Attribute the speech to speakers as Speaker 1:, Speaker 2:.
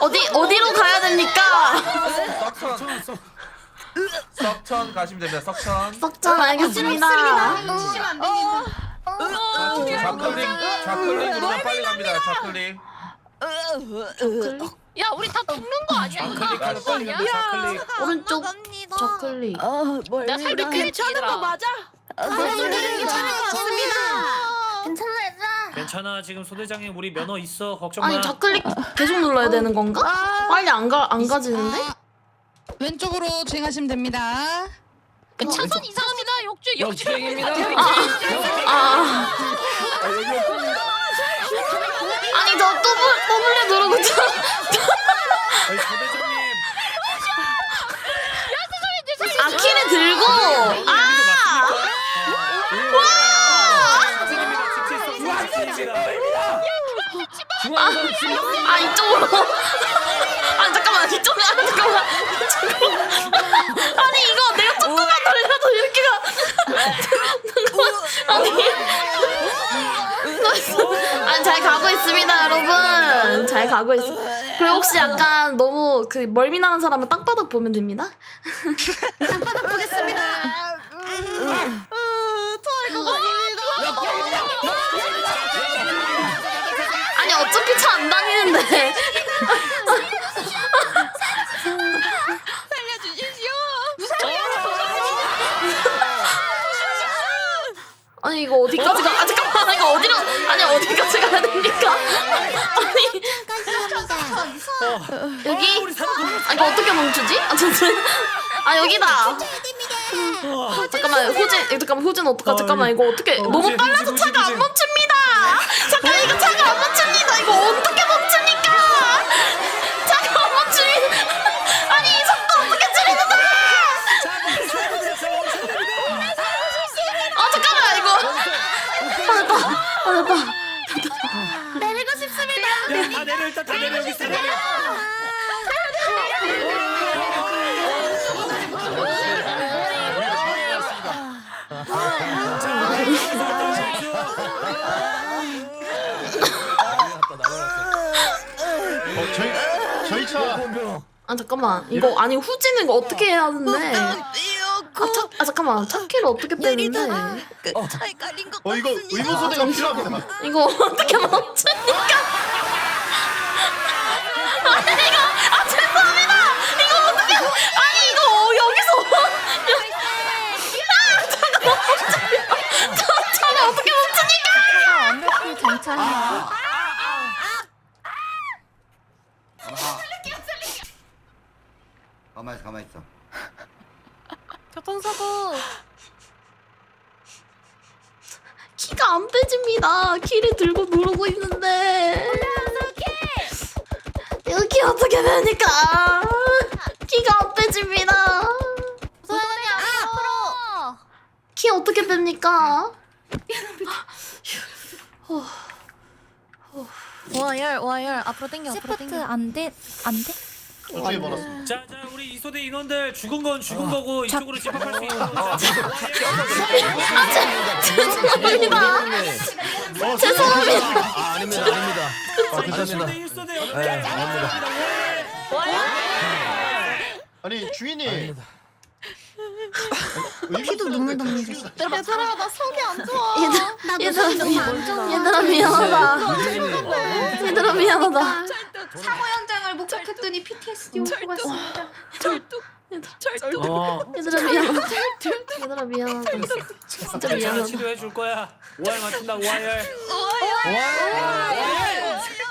Speaker 1: 어디로 가야 됩니까?
Speaker 2: 석천 가시면 됩니다. 석천.
Speaker 1: 석천 알겠습니다.
Speaker 2: 좌클릭으로만 빨리 갑니다. 좌클릭.
Speaker 3: 야 우리 다 죽는 거 아니야?
Speaker 2: 좌클릭하면 빨리 갑니다. 좌클릭.
Speaker 1: 오른쪽 저클릭.
Speaker 3: 나 살짝 괜찮은 거 맞아?
Speaker 4: 괜찮아 지금 소대장님 우리 면허 있어 걱정 마.
Speaker 1: 아니 저클릭 계속 눌러야 되는 건가? 빨리 안 가지는데?
Speaker 5: 왼쪽으로 주행하시면 됩니다.
Speaker 3: 차선 이상합니다.
Speaker 4: 역주행입니다.
Speaker 1: 아니 저 더블에 누르고 저
Speaker 4: 아니, 소대장님.
Speaker 1: 키를 들고 이쪽으로 잠깐만 이쪽으로 잠깐만 아니 이거 내가 조금만 돌려도 이렇게 아니 잘 가고 있습니다 여러분 잘 가고 있어 그리고 혹시 약간 너무 그 멀미나는 사람은 땅바닥 보면 됩니다 땅바닥 보겠습니다 아니 어차피 차 안 다니는데 아니 이거 어디까지 가? 잠깐만 이거 어디까지 가야 됩니까? 아니 여기? 이거 어떻게 멈추지? 여기다. 잠깐만 호진 어떡하? 잠깐만 이거 어떻게 너무 빨라서 차가 안 멈춥니다. 잠깐 이거 차가 안 멈춥니다. 이거 어떻게 멈춥니까? 차가 안 멈춥니다. 아니 이 속도 어떻게 줄이는데? 잠깐만 이거. 됐다. 내리고 싶습니다.
Speaker 4: 다 내려 일단 다 내려 여기 있어 내려.
Speaker 6: 저희 차.
Speaker 1: 잠깐만 이거 아니 후지는 이거 어떻게 해야 하는데? 잠깐만 차키를 어떻게 빼는데?
Speaker 6: 이거 의무소대가 필요합니다.
Speaker 1: 이거 어떻게 멈춥니까? 아니 이거 죄송합니다. 이거 어떻게 아니 이거 여기서 차가 멈춥니다. 차가 어떻게 멈춥니까?
Speaker 3: 완벽히 정차.
Speaker 6: 가만히 있어.
Speaker 3: 교통사고.
Speaker 1: 키가 안 빼집니다. 키를 들고 누르고 있는데 여기 어떻게 됩니까? 키가 안 빼집니다.
Speaker 3: 소연이 앞으로.
Speaker 1: 키 어떻게 뺍니까?
Speaker 3: 와열 앞으로 당겨. 시프트 안 돼.
Speaker 6: 어떻게 벌었어?
Speaker 4: 자 우리 이소대 인원들 죽은 건 죽은 거고 이쪽으로 집합할 수 있는
Speaker 1: 죄송합니다. 죄송합니다.
Speaker 7: 아닙니다. 괜찮습니다.
Speaker 4: 이소대
Speaker 6: 아니 주인님.
Speaker 1: 피도 눈물 납니다.
Speaker 3: 얘들아 나 속이 안 좋아.
Speaker 1: 얘들아 미안하다. 얘들아 미안하다.
Speaker 8: 사고 현장을 목격했더니 PTSD 올 것 같습니다.
Speaker 1: 얘들아 미안하다. 얘들아 미안하다. 진짜
Speaker 4: 괜찮아
Speaker 1: 미안하다.
Speaker 4: 치료해 줄 거야. 5할 맞춘다 5할.